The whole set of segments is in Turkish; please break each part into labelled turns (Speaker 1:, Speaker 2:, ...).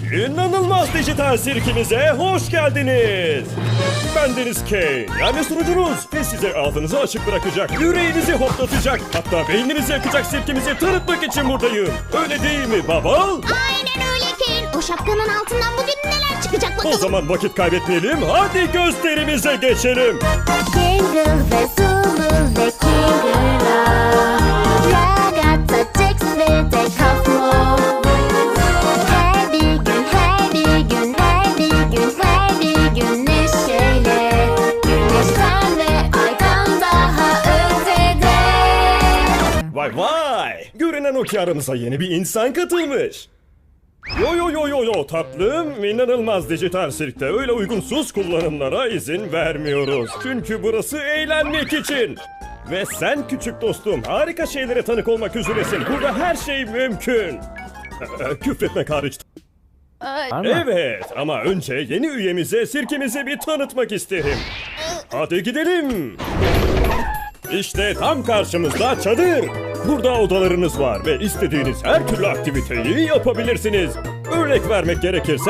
Speaker 1: İnanılmaz dijital sirkimize hoş geldiniz. Ben Deniz Kane, yani sunucunuz ve size ağzınızı açık bırakacak, yüreğinizi hoplatacak, hatta beyninizi yakacak sirkimizi tanıtmak için buradayım. Öyle değil mi baba?
Speaker 2: Aynen öyle Kane. O şapkanın altından bugün neler çıkacak bakalım.
Speaker 1: O zaman vakit kaybetmeyelim, hadi gösterimize geçelim.
Speaker 2: Jingle ve Zulu ve Kingula, Ragazza, Jax ve de Kafmo. Her bir gün, her bir gün, her bir gün, her bir gün neşeyle. Güneşten ve aydan daha ötede.
Speaker 1: Vay vay, görünen o ki aramıza yeni bir insan katılmış. Yo tatlım, inanılmaz dijital sirkte öyle uygunsuz kullanımlara izin vermiyoruz. Çünkü burası eğlenmek için. Ve sen küçük dostum harika şeylere tanık olmak üzeresin. Burada her şey mümkün. Küfretmek hariç. Evet ama önce yeni üyemize sirkimizi bir tanıtmak isterim. Hadi gidelim. İşte tam karşımızda çadır. Burada odalarınız var ve istediğiniz her türlü aktiviteyi yapabilirsiniz. Örnek vermek gerekirse...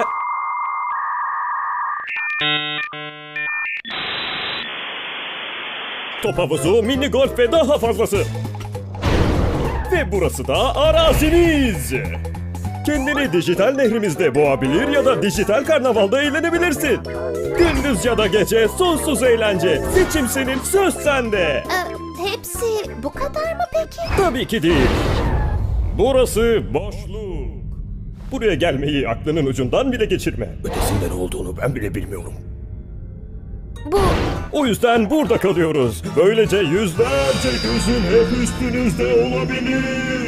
Speaker 1: Top havuzu, mini golf ve daha fazlası. Ve burası da araziniz. Kendini dijital nehrimizde boğabilir ya da dijital karnavalda eğlenebilirsin. Gündüz ya da gece sonsuz eğlence. Seçim senin, söz sende.
Speaker 2: Hepsi bu kadar mı peki?
Speaker 1: Tabii ki değil. Burası boşluk. Buraya gelmeyi aklının ucundan bile geçirme. Ötesinde ne olduğunu ben bile bilmiyorum.
Speaker 2: Bu
Speaker 1: O yüzden burada kalıyoruz. Böylece yüzlerce gözün hep üstünüzde olabilir.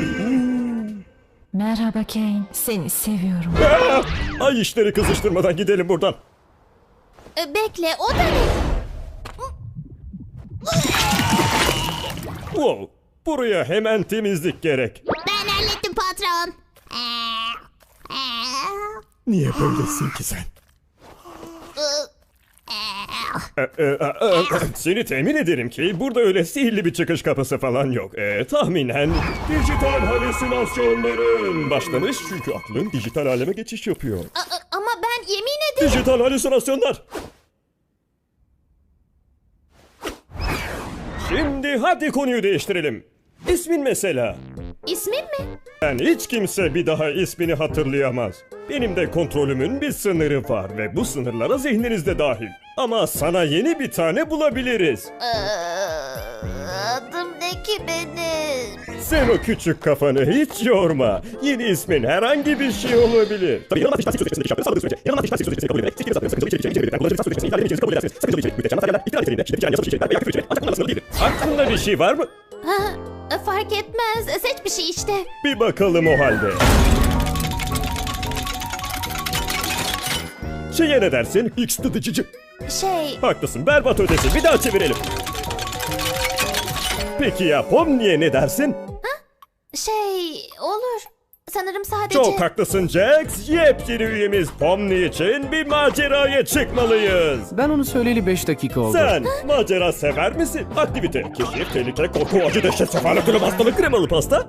Speaker 3: Merhaba Kane, seni seviyorum.
Speaker 1: Ay işleri kızıştırmadan gidelim buradan.
Speaker 2: bekle, o da ne?
Speaker 1: Wow, buraya hemen temizlik gerek.
Speaker 2: Ben hallettim patron.
Speaker 1: Niye böylesin ki sen? Seni temin ederim ki burada öyle sihirli bir çıkış kapısı falan yok. Tahminen dijital halüsinasyonların başlamış çünkü aklın dijital aleme geçiş yapıyor.
Speaker 2: Ama ben yemin ederim.
Speaker 1: Dijital halüsinasyonlar. Şimdi hadi konuyu değiştirelim. İsmin mesela.
Speaker 2: İsmim mi?
Speaker 1: Yani hiç kimse bir daha ismini hatırlayamaz. Benim de kontrolümün bir sınırı var ve bu sınırlara zihniniz dahil. Ama sana yeni bir tane bulabiliriz.
Speaker 2: Adım ne ki benim?
Speaker 1: Sen o küçük kafanı hiç yorma. Yeni ismin herhangi bir şey olabilir. Tabii yanılmaz dijital sözleşmesinde iş yaptığınız sürece yanılmaz dijital sözleşmesini kabul ederek seçtiğiniz adını sakıncalı içerikleri içeren kullanıcı dijital sözleşmesini ihlal edemeyeceğinizi kabul edersiniz. Sakıncalı içerik, müddetçe materyaller, iptal niteliğinde, şiddet içeren yasal içerikler veya küfür içeren ancak bunlarla sınırlı değildir. Aklında bir şey var mı?
Speaker 2: Fark etmez. Seç bir şey işte.
Speaker 1: Bir bakalım o halde. Şeye ne dersin? X tıdıcıcı. Haklısın, berbat ötesi. Bir daha çevirelim. Peki ya Pomni'ye ne dersin?
Speaker 2: Olur. Sanırım sadece...
Speaker 1: Çok haklısın Jax. Yepyeni üyemiz Pomni için bir maceraya çıkmalıyız.
Speaker 4: Ben onu söyleyeli 5 dakika oldu.
Speaker 1: Sen macera sever misin? Aktivite, keşif, tehlike, korku, acı, dehşet, sefalet, ölüm, hastalık, kremalı pasta.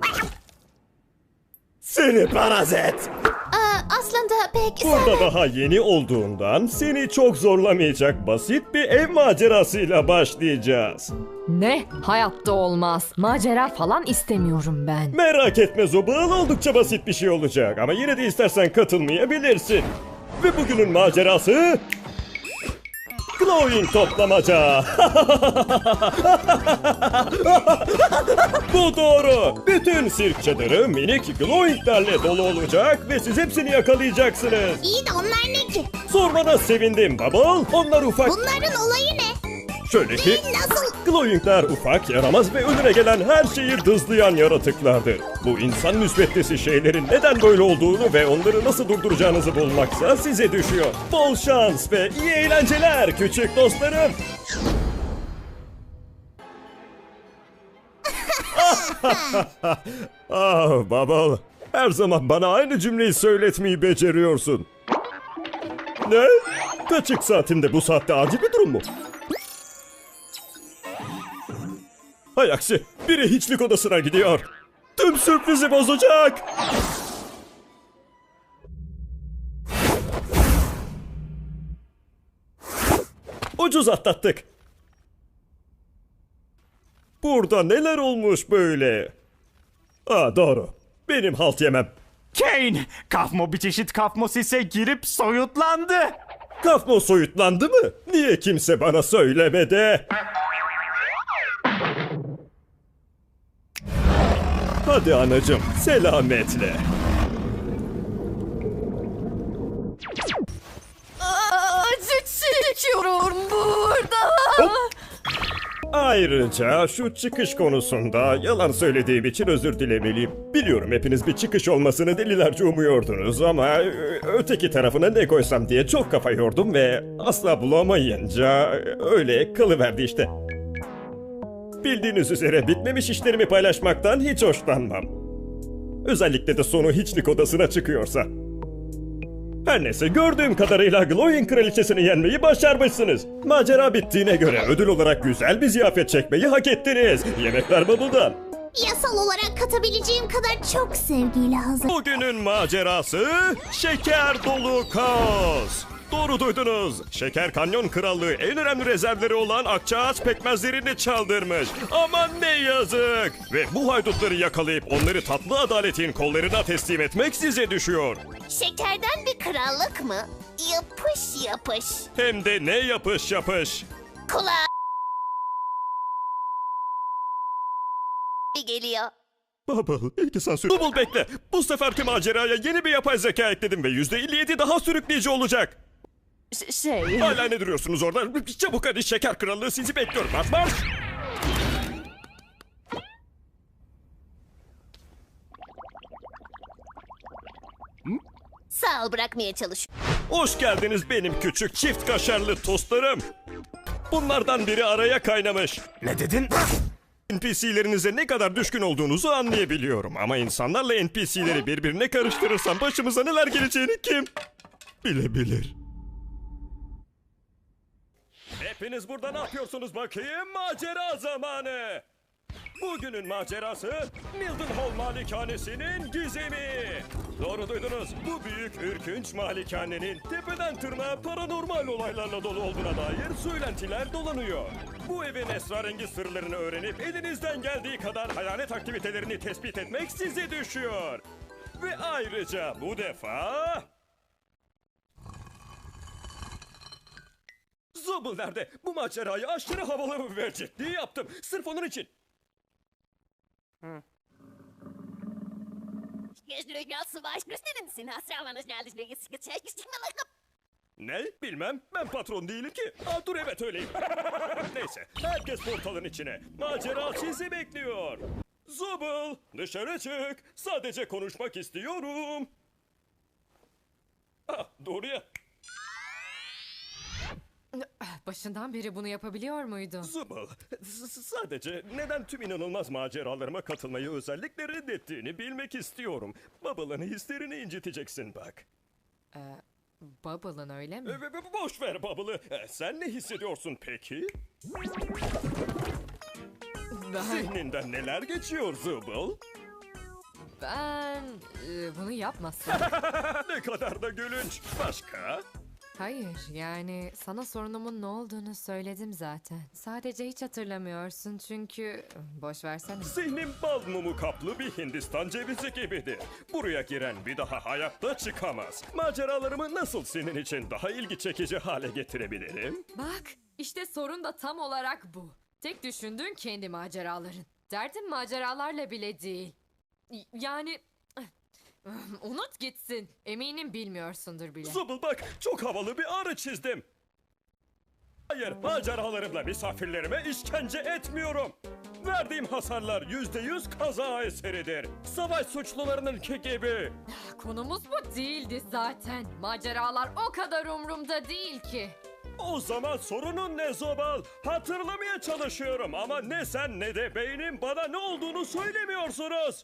Speaker 1: Seni parazit.
Speaker 2: Aslında pek
Speaker 1: Burada daha yeni olduğundan seni çok zorlamayacak basit bir ev macerasıyla başlayacağız.
Speaker 3: Ne? Hayatta olmaz. Macera falan istemiyorum ben.
Speaker 1: Merak etme Zobal, oldukça basit bir şey olacak ama yine de istersen katılmayabilirsin. Ve bugünün macerası... Glowing toplamaca. Bu doğru. Bütün sirk çadırı minik glowinglerle dolu olacak ve siz hepsini yakalayacaksınız.
Speaker 2: İyi de onlar ne ki?
Speaker 1: Sormana sevindim Bubble. Onlar ufak...
Speaker 2: Bunların olayı ne?
Speaker 1: Şöyle ki...
Speaker 2: Nasıl?
Speaker 1: Glowingler ufak, yaramaz ve önüne gelen her şeyi dızlayan yaratıklardır. Bu insan müsbettesi şeylerin neden böyle olduğunu ve onları nasıl durduracağınızı bulmaksa size düşüyor. Bol şans ve iyi eğlenceler küçük dostlarım. Bubble, her zaman bana aynı cümleyi söyletmeyi beceriyorsun. Ne? Kaçık saatimde bu saatte acil bir durum mu? Hay aksi, biri hiçlik odasına gidiyor. Tüm sürprizi bozacak. Ucuz atlattık. Burada neler olmuş böyle? Aa doğru. Benim halt yemem.
Speaker 5: Kane! Kafmo bir çeşit kafmosise girip soyutlandı.
Speaker 1: Kafmo soyutlandı mı? Niye kimse bana söylemedi? Hadi anacım, selametle.
Speaker 3: Acı çekiyorum burada.
Speaker 1: Ayrıca şu çıkış konusunda yalan söylediğim için özür dilemeliyim. Biliyorum hepiniz bir çıkış olmasını delilerce umuyordunuz ama öteki tarafına ne koysam diye çok kafa yordum ve asla bulamayınca öyle kalıverdi işte. Bildiğiniz üzere bitmemiş işlerimi paylaşmaktan hiç hoşlanmam. Özellikle de sonu hiçlik odasına çıkıyorsa. Her neyse gördüğüm kadarıyla Glowing kraliçesini yenmeyi başarmışsınız. Macera bittiğine göre ödül olarak güzel bir ziyafet çekmeyi hak ettiniz. Yemekler Bubble'dan.
Speaker 2: Yasal olarak katabileceğim kadar çok sevgiyle hazır.
Speaker 1: Bugünün macerası şeker dolu kaos. Doğru duydunuz. Şeker Kanyon Krallığı en önemli rezervleri olan akçaağaç pekmezlerini çaldırmış. Aman ne yazık. Ve bu haydutları yakalayıp onları tatlı adaletin kollarına teslim etmek size düşüyor.
Speaker 2: Şekerden bir krallık mı? Yapış yapış.
Speaker 1: Hem de ne yapış yapış.
Speaker 2: Kulağa geliyor.
Speaker 1: Bubble, ilk sansür. Bubble bekle. Bu seferki maceraya yeni bir yapay zeka ekledim ve %57 daha sürükleyici olacak.
Speaker 3: Şey...
Speaker 1: Hala ne duruyorsunuz orada? Çabuk hadi Şeker Krallığı sizi bekliyor. Marş marş.
Speaker 2: Sağ ol, bırakmaya çalış.
Speaker 1: Hoş geldiniz benim küçük çift kaşarlı tostlarım. Bunlardan biri araya kaynamış.
Speaker 5: Ne dedin?
Speaker 1: NPC'lerinize ne kadar düşkün olduğunuzu anlayabiliyorum. Ama insanlarla NPC'leri birbirine karıştırırsam başımıza neler geleceğini kim bilebilir. Hepiniz burada ne yapıyorsunuz bakayım? Macera zamanı. Bugünün macerası Mildenhall Malikanesi'nin gizemi. Doğru duydunuz. Bu büyük ürkünç malikanenin tepeden tırnağa paranormal olaylarla dolu olduğuna dair söylentiler dolanıyor. Bu evin esrarengiz sırlarını öğrenip elinizden geldiği kadar hayalet aktivitelerini tespit etmek size düşüyor. Ve ayrıca bu defa... Zobble nerede? Bu macerayı aşırı havalı ve ciddi yaptım. Sırf onun için. Ne? Bilmem. Ben patron değilim ki. Aa, dur evet öyleyim. Neyse. Herkes portalın içine. Macera sizi bekliyor. Zobble dışarı çık. Sadece konuşmak istiyorum. Ah, doğru ya.
Speaker 3: Başından beri bunu yapabiliyor muydun?
Speaker 1: Zobble sadece neden tüm inanılmaz maceralarıma katılmayı özellikle reddettiğini bilmek istiyorum. Bubble'ın hislerini inciteceksin bak.
Speaker 3: Bubble'ın öyle mi?
Speaker 1: Boş ver Bubble'ı. Sen ne hissediyorsun peki? Zihninden neler geçiyor Zobble?
Speaker 3: Ben bunu yapmasam.
Speaker 1: Ne kadar da gülünç. Başka?
Speaker 3: Hayır, yani sana sorunumun ne olduğunu söyledim zaten. Sadece hiç hatırlamıyorsun çünkü... Boş versene.
Speaker 1: Zihnim bal mumu kaplı bir Hindistan cevizi gibidir. Buraya giren bir daha hayatta çıkamaz. Maceralarımı nasıl senin için daha ilgi çekici hale getirebilirim?
Speaker 3: Bak, işte sorun da tam olarak bu. Tek düşündüğün kendi maceraların. Derdin maceralarla bile değil. Yani... Unut gitsin. Eminim bilmiyorsundur bile.
Speaker 1: Zobble bak, çok havalı bir arı çizdim. Hayır, maceralarımla misafirlerime işkence etmiyorum. Verdiğim hasarlar %100 kaza eseridir. Savaş suçlularınınki gibi.
Speaker 3: Konumuz bu değildi zaten. Maceralar o kadar umrumda değil ki.
Speaker 1: O zaman sorunun ne Zobal? Hatırlamaya çalışıyorum ama ne sen ne de beynim bana ne olduğunu söylemiyorsunuz.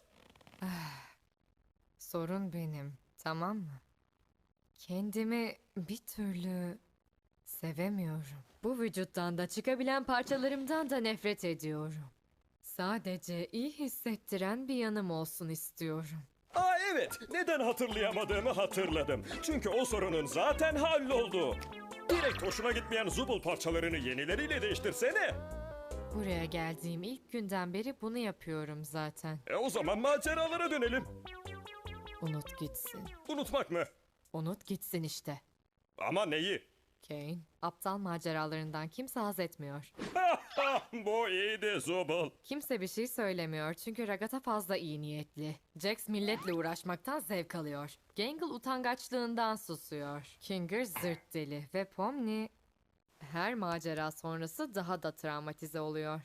Speaker 3: Sorun benim, tamam mı? Kendimi bir türlü sevemiyorum. Bu vücuttan da çıkabilen parçalarımdan da nefret ediyorum. Sadece iyi hissettiren bir yanım olsun istiyorum.
Speaker 1: Aa evet, neden hatırlayamadığımı hatırladım. Çünkü o sorunun zaten halloldu. Direkt hoşuna gitmeyen Zubul parçalarını yenileriyle değiştirsene.
Speaker 3: Buraya geldiğim ilk günden beri bunu yapıyorum zaten.
Speaker 1: O zaman maceralara dönelim.
Speaker 3: Unut gitsin.
Speaker 1: Unutmak mı?
Speaker 3: Unut gitsin işte.
Speaker 1: Ama neyi?
Speaker 3: Kane, aptal maceralarından kimse haz etmiyor.
Speaker 1: Bu iyiydi Zubul.
Speaker 3: Kimse bir şey söylemiyor çünkü Ragata fazla iyi niyetli. Jax milletle uğraşmaktan zevk alıyor. Gangle utangaçlığından susuyor. Kinger zırt deli ve Pomni her macera sonrası daha da travmatize oluyor.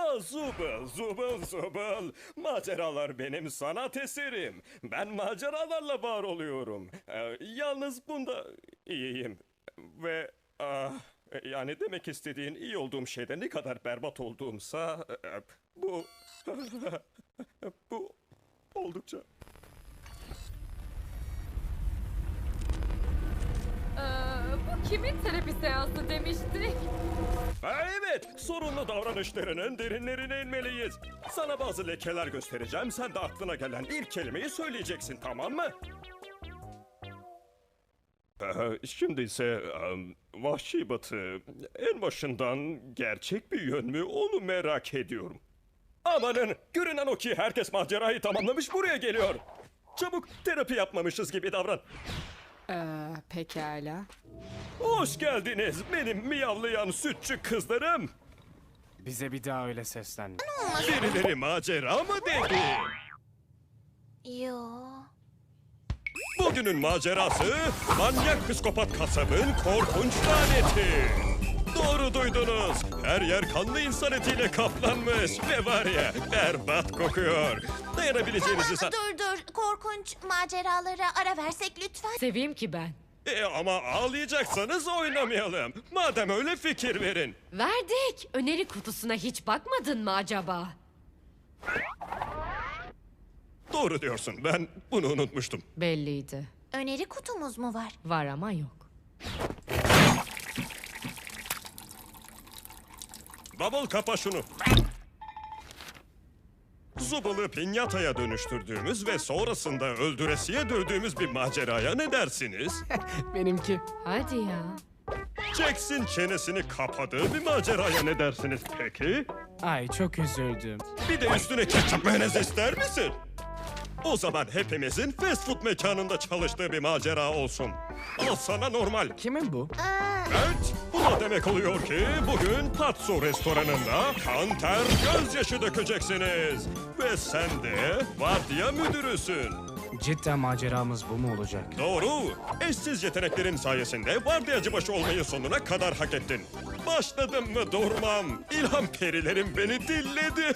Speaker 1: Zubul. Maceralar benim sanat eserim. Ben maceralarla var oluyorum. Yalnız bunda iyiyim. Ve yani demek istediğin iyi olduğum şeyde ne kadar berbat olduğumsa bu bu oldukça.
Speaker 3: Bu kimin terapi seansı demiştik?
Speaker 1: Evet, sorunlu davranışlarının derinlerine inmeliyiz. Sana bazı lekeler göstereceğim. Sen de aklına gelen ilk kelimeyi söyleyeceksin, tamam mı? Şimdi ise Vahşi Batı en başından gerçek bir yön mü onu merak ediyorum. Amanın, görünen o ki herkes macerayı tamamlamış buraya geliyor. Çabuk, terapi yapmamışız gibi davran.
Speaker 3: Pekala.
Speaker 1: Hoş geldiniz benim miyavlayan sütçü kızlarım.
Speaker 4: Bize bir daha öyle seslenme.
Speaker 1: Birileri macera mı dedi?
Speaker 2: Yo.
Speaker 1: Bugünün macerası manyak psikopat kasabın korkunç laneti. Doğru duydunuz. Her yer kanlı insan etiyle kaplanmış ve var ya berbat kokuyor. Dayanabileceğinizi
Speaker 2: Dur. Korkunç maceralara ara versek lütfen.
Speaker 3: Seveyim ki ben.
Speaker 1: Ama ağlayacaksanız oynamayalım. Madem öyle fikir verin.
Speaker 3: Verdik. Öneri kutusuna hiç bakmadın mı acaba?
Speaker 1: Doğru diyorsun, ben bunu unutmuştum.
Speaker 3: Belliydi.
Speaker 2: Öneri kutumuz mu var?
Speaker 3: Var ama yok.
Speaker 1: Bubble kapa şunu. Zubul'u pinyataya dönüştürdüğümüz ve sonrasında öldüresiye dövdüğümüz bir maceraya ne dersiniz?
Speaker 4: Benimki.
Speaker 3: Hadi ya.
Speaker 1: Jax'in çenesini kapadığı bir maceraya ne dersiniz peki?
Speaker 4: Ay çok üzüldüm.
Speaker 1: Bir de üstüne ketçap mayonez ister misin? O zaman hepimizin fast food mekanında çalıştığı bir macera olsun. Al sana normal.
Speaker 4: Kimin bu?
Speaker 1: Evet, bu da demek oluyor ki bugün Patso restoranında kan ter gözyaşı dökeceksiniz. Ve sen de vardiya müdürüsün.
Speaker 4: Cidden maceramız bu mu olacak?
Speaker 1: Doğru. Eşsiz yeteneklerin sayesinde vardiyacı başı olmayı sonuna kadar hak ettin. Başladım mı durmam. İlham perilerim beni dilledi.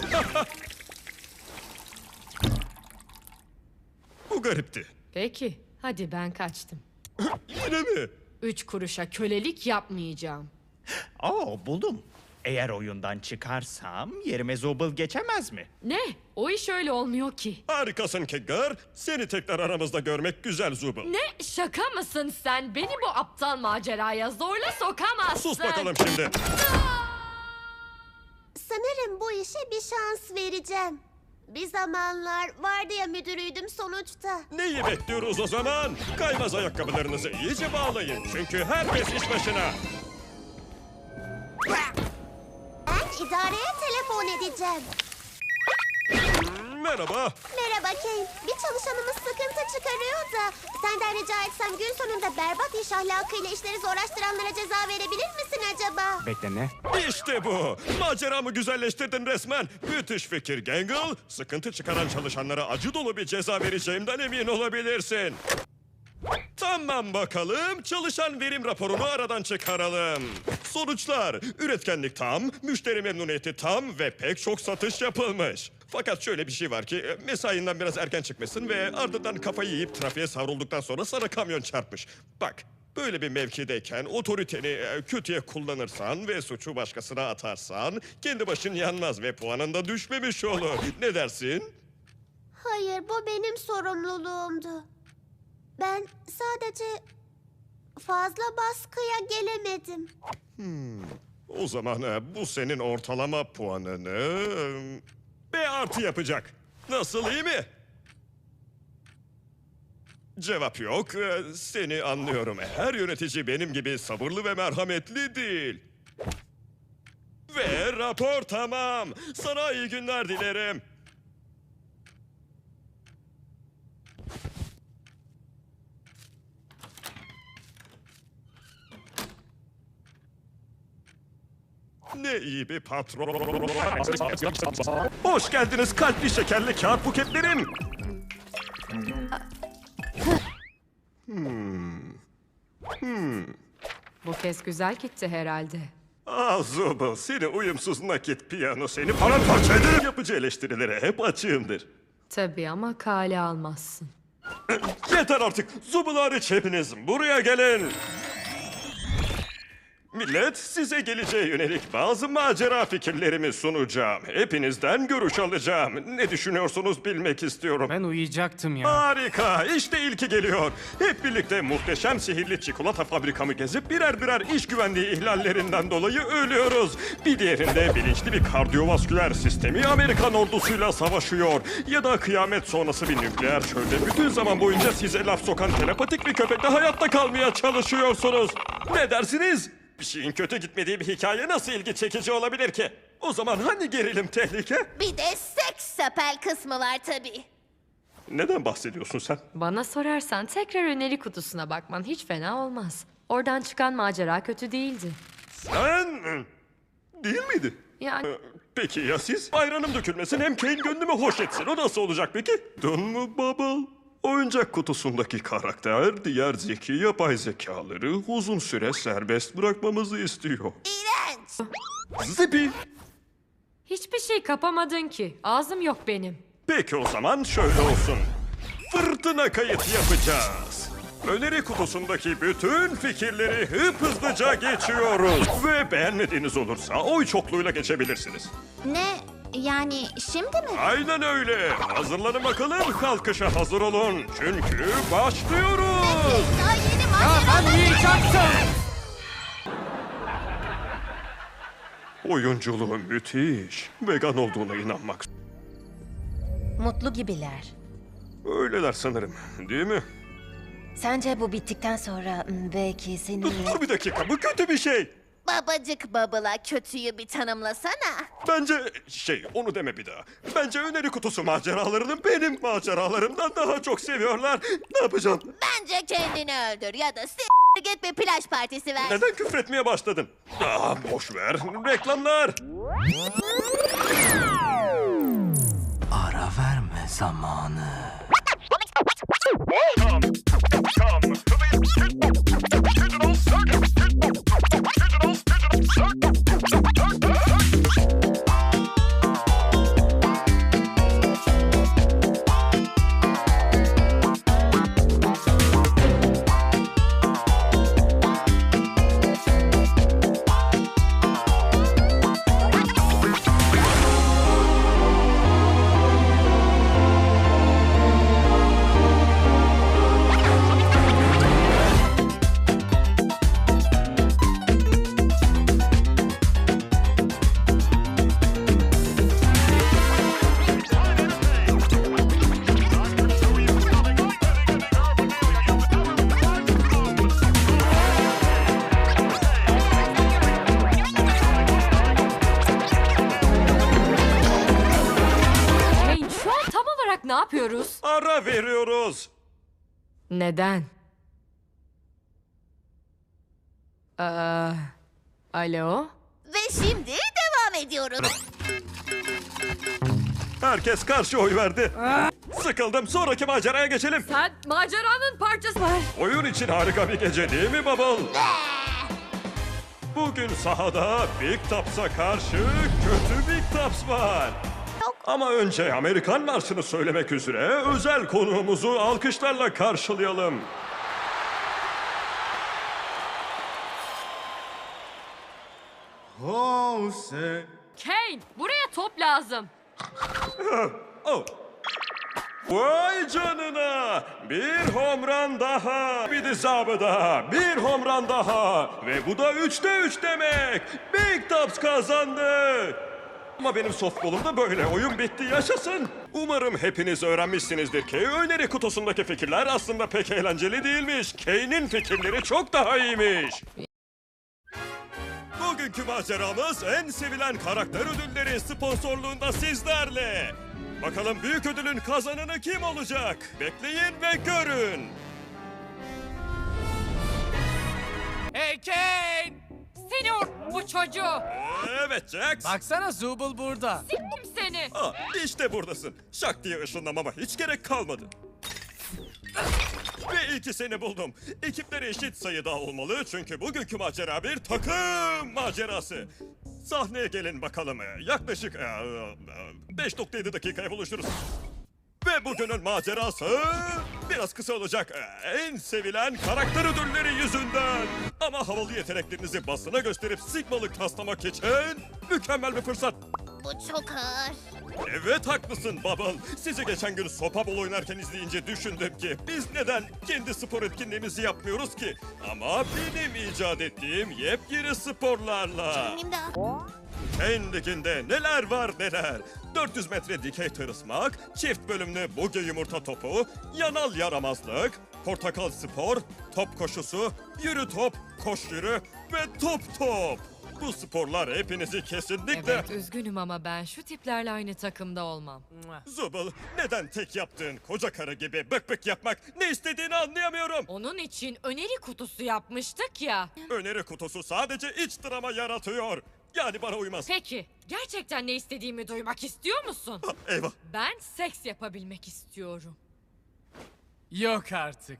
Speaker 1: Bu garipti.
Speaker 3: Peki. Hadi ben kaçtım.
Speaker 1: Yine mi?
Speaker 3: 3 kuruşa kölelik yapmayacağım.
Speaker 5: Buldum. Eğer oyundan çıkarsam yerime Zubul geçemez mi?
Speaker 3: Ne? O iş öyle olmuyor ki.
Speaker 1: Harikasın Keggar. Seni tekrar aramızda görmek güzel Zubul.
Speaker 3: Ne? Şaka mısın sen? Beni bu aptal maceraya zorla sokamazsın.
Speaker 1: Sus bakalım şimdi.
Speaker 2: Sanırım bu işe bir şans vereceğim. Bir zamanlar vardiya müdürüydüm sonuçta.
Speaker 1: Neyi bekliyoruz o zaman? Kaymaz ayakkabılarınızı iyice bağlayın. Çünkü herkes iş başına.
Speaker 2: Ben idareye telefon edeceğim.
Speaker 1: Merhaba.
Speaker 2: Merhaba Kane. Bir çalışanımız sıkıntı çıkarıyor da senden rica etsem gün sonunda berbat iş ahlakıyla işleri zorlaştıranlara ceza verebilir misin acaba?
Speaker 4: Bekle ne?
Speaker 1: İşte bu. Maceramı güzelleştirdin resmen. Müthiş fikir Gangle. Sıkıntı çıkaran çalışanlara acı dolu bir ceza vereceğimden emin olabilirsin. Tamam bakalım. Çalışan verim raporunu aradan çıkaralım. Sonuçlar. Üretkenlik tam, müşteri memnuniyeti tam ve pek çok satış yapılmış. Fakat şöyle bir şey var ki mesainden biraz erken çıkmışsın ve ardından kafayı yiyip trafiğe savrulduktan sonra sana kamyon çarpmış. Bak, böyle bir mevkideyken otoriteni kötüye kullanırsan ve suçu başkasına atarsan kendi başın yanmaz ve puanın da düşmemiş olur. Ne dersin?
Speaker 2: Hayır, bu benim sorumluluğumdu. Ben sadece fazla baskıya gelemedim.
Speaker 1: O zaman bu senin ortalama puanını B artı yapacak. Nasıl, iyi mi? Cevap yok. Seni anlıyorum. Her yönetici benim gibi sabırlı ve merhametli değil. Ve rapor tamam. Sana iyi günler dilerim. Ne iyi bir patron. Hoş geldiniz kalpli şekerli kağıt buketlerim.
Speaker 3: Bu kez güzel gitti herhalde.
Speaker 1: Zubul, seni uyumsuz nakit piyano seni paramparça ederim. Yapıcı eleştirilere hep açığımdır.
Speaker 3: Tabii ama kale almazsın.
Speaker 1: Yeter artık. Zubul hariç hepiniz buraya gelin. Millet, size geleceğe yönelik bazı macera fikirlerimi sunacağım. Hepinizden görüş alacağım. Ne düşünüyorsunuz bilmek istiyorum.
Speaker 4: Ben uyuyacaktım ya.
Speaker 1: Harika, işte ilki geliyor. Hep birlikte muhteşem sihirli çikolata fabrikamı gezip birer birer iş güvenliği ihlallerinden dolayı ölüyoruz. Bir diğerinde bilinçli bir kardiyovasküler sistemi Amerikan ordusuyla savaşıyor. Ya da kıyamet sonrası bir nükleer çölde bütün zaman boyunca size laf sokan telepatik bir köpekle hayatta kalmaya çalışıyorsunuz. Ne dersiniz? Bir şeyin kötü gitmediği bir hikaye nasıl ilgi çekici olabilir ki? O zaman hani gerilim tehlike?
Speaker 2: Bir de seks sapel kısmı var tabii.
Speaker 1: Neden bahsediyorsun sen?
Speaker 3: Bana sorarsan tekrar öneri kutusuna bakman hiç fena olmaz. Oradan çıkan macera kötü değildi.
Speaker 1: Sen... Değil miydi?
Speaker 3: Yani
Speaker 1: Peki ya siz? Ayranım dökülmesin hem Kane gönlümü hoş etsin. O nasıl olacak peki? Dön mü Bubble? Oyuncak kutusundaki karakter diğer zeki yapay zekaları uzun süre serbest bırakmamızı istiyor.
Speaker 2: İğrenç.
Speaker 1: Zipi!
Speaker 3: hiçbir şey kapamadın ki. Ağzım yok benim.
Speaker 1: Peki o zaman şöyle olsun. Fırtına kayıt yapacağız. Öneri kutusundaki bütün fikirleri hızlıca geçiyoruz. Ve beğenmediğiniz olursa oy çokluğuyla geçebilirsiniz.
Speaker 2: Ne? Yani şimdi mi?
Speaker 1: Aynen öyle. Hazırlanın bakalım, kalkışa hazır olun. Çünkü başlıyoruz.
Speaker 2: Daha yeni macera.
Speaker 4: Uyuyacaktım.
Speaker 1: Oyunculuğu müthiş. Vegan olduğuna inanmak.
Speaker 6: Mutlu gibiler.
Speaker 1: Öyleler sanırım, değil mi?
Speaker 6: Sence bu bittikten sonra belki seni...
Speaker 1: Dur bir dakika, bu kötü bir şey.
Speaker 2: Babacık Bubble'a kötüyü bir tanımlasana.
Speaker 1: Bence onu deme bir daha. Bence öneri kutusu maceralarını benim maceralarımdan daha çok seviyorlar. Ne yapacağım?
Speaker 2: Bence kendini öldür ya da git bir plaj partisi ver.
Speaker 1: Neden küfretmeye başladın? Boş ver. Reklamlar.
Speaker 7: Ara verme zamanı.
Speaker 3: Kane şu an tam olarak ne yapıyoruz?
Speaker 1: Ara veriyoruz.
Speaker 3: Neden? Alo?
Speaker 2: Ve şimdi devam ediyoruz.
Speaker 1: Herkes karşı oy verdi. Sıkıldım. Sonraki maceraya geçelim.
Speaker 3: Sen maceranın parçası var.
Speaker 1: Oyun için harika bir gece değil mi Bubble? Bugün sahada Big Tops'a karşı kötü Big Tops var. Ama önce Amerikan Marşı'nı söylemek üzere özel konuğumuzu alkışlarla karşılayalım.
Speaker 3: Kane, buraya top lazım.
Speaker 1: Oh. Vay canına! Bir home run daha! Bir dizabı daha! Bir home run daha! Ve bu da 3'te 3 demek! Big Tops kazandı! Ama benim softball'umda böyle. Oyun bitti, yaşasın. Umarım hepiniz öğrenmişsinizdir ki öneri kutusundaki fikirler aslında pek eğlenceli değilmiş. Kane'in fikirleri çok daha iyiymiş. Bugünkü maceramız en sevilen karakter ödülleri sponsorluğunda sizlerle. Bakalım büyük ödülün kazananı kim olacak? Bekleyin ve görün.
Speaker 4: Hey Kane!
Speaker 3: Senior bu çocuğu.
Speaker 1: Evet Jax.
Speaker 4: Baksana Zubul burada.
Speaker 3: Kim seni?
Speaker 1: İşte buradasın. Şak diye ışınlamama hiç gerek kalmadı. Ve ilki seni buldum. Ekipleri eşit sayıda olmalı çünkü bugünkü macera bir takım macerası. Sahneye gelin bakalım. Yaklaşık 5.7 dakikaya buluşuruz. Ve bugünün macerası biraz kısa olacak. En sevilen karakter ödülleri yüzünden. Ama havalı yeteneklerinizi basına gösterip Sigma'lık taslamak için mükemmel bir fırsat.
Speaker 2: Bu çok ağır.
Speaker 1: Evet haklısın Bubble. Sizi geçen gün sopa bol oynarken izleyince düşündüm ki biz neden kendi spor etkinliğimizi yapmıyoruz ki? Ama benim icat ettiğim yepyeni sporlarla.
Speaker 2: Benim de.
Speaker 1: Kane Ligi'nde neler var neler. 400 metre dikey tırısmak, çift bölümlü buge yumurta topu, yanal yaramazlık, portakal spor, top koşusu, yürü top, koş yürü ve top top. Bu sporlar hepinizi kesinlikle...
Speaker 3: Evet üzgünüm ama ben şu tiplerle aynı takımda olmam.
Speaker 1: Zubul, neden tek yaptığın koca karı gibi bık bık yapmak, ne istediğini anlayamıyorum.
Speaker 3: Onun için öneri kutusu yapmıştık ya.
Speaker 1: Öneri kutusu sadece iç drama yaratıyor. Yani bana uymaz.
Speaker 3: Peki gerçekten ne istediğimi duymak istiyor musun?
Speaker 1: Eyvah.
Speaker 3: Ben seks yapabilmek istiyorum.
Speaker 4: Yok artık.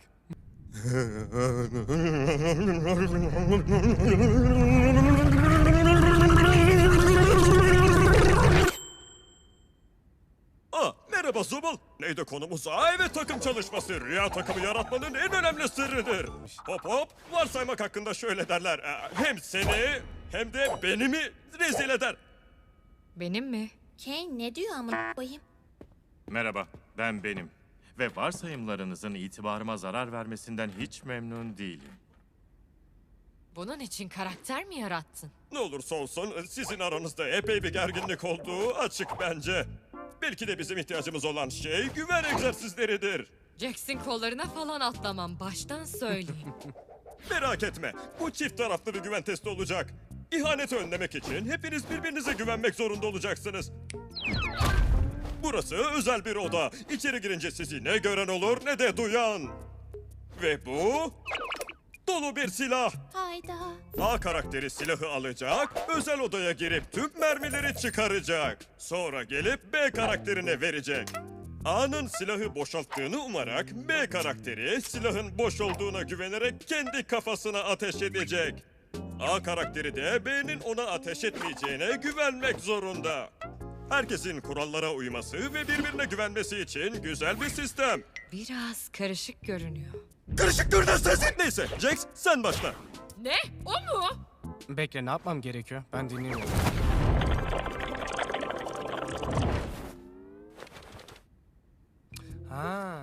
Speaker 1: Merhaba Zubul. Neydi konumuz? Evet takım çalışması. Rüya takımı yaratmanın en önemli sırrıdır. Hop hop. Varsaymak hakkında şöyle derler. Hem seni hem de beni mi rezil eder?
Speaker 3: Benim mi?
Speaker 2: Kane ne diyor ama koyayım?
Speaker 8: Merhaba, ben benim. Ve varsayımlarınızın itibarıma zarar vermesinden hiç memnun değilim.
Speaker 3: Bunun için karakter mi yarattın?
Speaker 1: Ne olursa olsun sizin aranızda epey bir gerginlik olduğu açık bence. Belki de bizim ihtiyacımız olan şey güven egzersizleridir.
Speaker 3: Jackson kollarına falan atlamam baştan söyleyeyim.
Speaker 1: Merak etme, bu çift taraflı bir güven testi olacak. İhaneti önlemek için hepiniz birbirinize güvenmek zorunda olacaksınız. Burası özel bir oda. İçeri girince sizi ne gören olur ne de duyan. Ve bu... dolu bir silah.
Speaker 2: Hayda.
Speaker 1: A karakteri silahı alacak, özel odaya girip tüm mermileri çıkaracak. Sonra gelip B karakterine verecek. A'nın silahı boşalttığını umarak B karakteri silahın boş olduğuna güvenerek kendi kafasına ateş edecek. A karakteri de B'nin ona ateş etmeyeceğine güvenmek zorunda. Herkesin kurallara uyması ve birbirine güvenmesi için güzel bir sistem.
Speaker 3: Biraz karışık görünüyor.
Speaker 1: Karışık görünen sensin. Neyse Jax sen başla.
Speaker 3: Ne? O mu?
Speaker 4: Bekle, ne yapmam gerekiyor? Ben dinliyorum. Ha.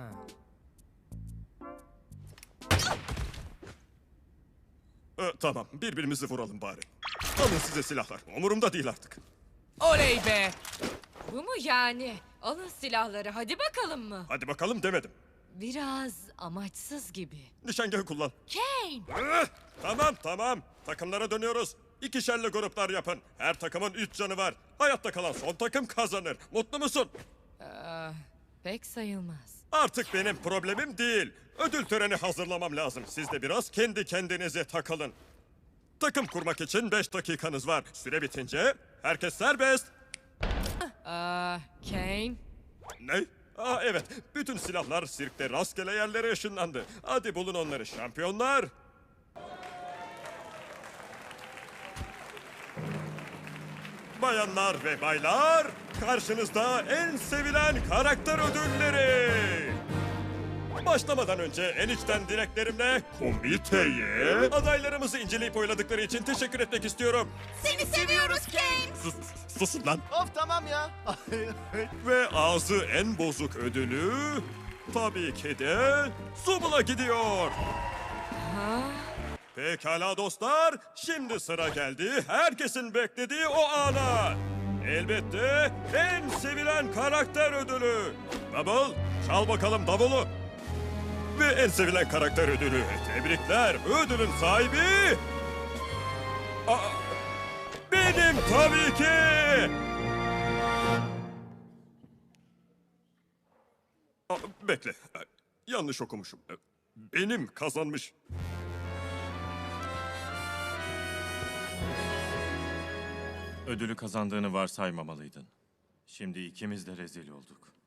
Speaker 1: Tamam birbirimizi vuralım bari. Alın size silahlar. Umurumda değil artık.
Speaker 4: Oley be!
Speaker 3: Bu mu yani? Alın silahları hadi bakalım mı?
Speaker 1: Hadi bakalım demedim.
Speaker 3: Biraz amaçsız gibi.
Speaker 1: Nişangahı kullan.
Speaker 3: Kane!
Speaker 1: Tamam. Takımlara dönüyoruz. İkişerli gruplar yapın. Her takımın 3 canı var. Hayatta kalan son takım kazanır. Mutlu musun?
Speaker 3: Pek sayılmaz.
Speaker 1: Artık benim problemim değil. Ödül töreni hazırlamam lazım. Siz de biraz kendi kendinize takılın. Takım kurmak için 5 dakikanız var. Süre bitince herkes serbest.
Speaker 3: Kane?
Speaker 1: Ne? Evet. Bütün silahlar sirkte rastgele yerlere ışınlandı. Hadi bulun onları şampiyonlar. Bayanlar ve baylar, karşınızda en sevilen karakter ödülleri. Başlamadan önce en içten dileklerimle komiteye adaylarımızı inceleyip oyladıkları için teşekkür etmek istiyorum.
Speaker 2: Seni seviyoruz Kane.
Speaker 1: Susun lan.
Speaker 7: Of tamam ya.
Speaker 1: Ve ağzı en bozuk ödülü tabii ki de Zubul'a gidiyor. Pekala dostlar, şimdi sıra geldi herkesin beklediği o ana. elbette en sevilen karakter ödülü. Bubble, çal bakalım davulu. Ve en sevilen karakter ödülü. Tebrikler, ödülün sahibi... Aa, benim tabii ki. Bekle, yanlış okumuşum. Benim kazanmış.
Speaker 8: Ödülü kazandığını varsaymamalıydın. Şimdi ikimiz de rezil olduk.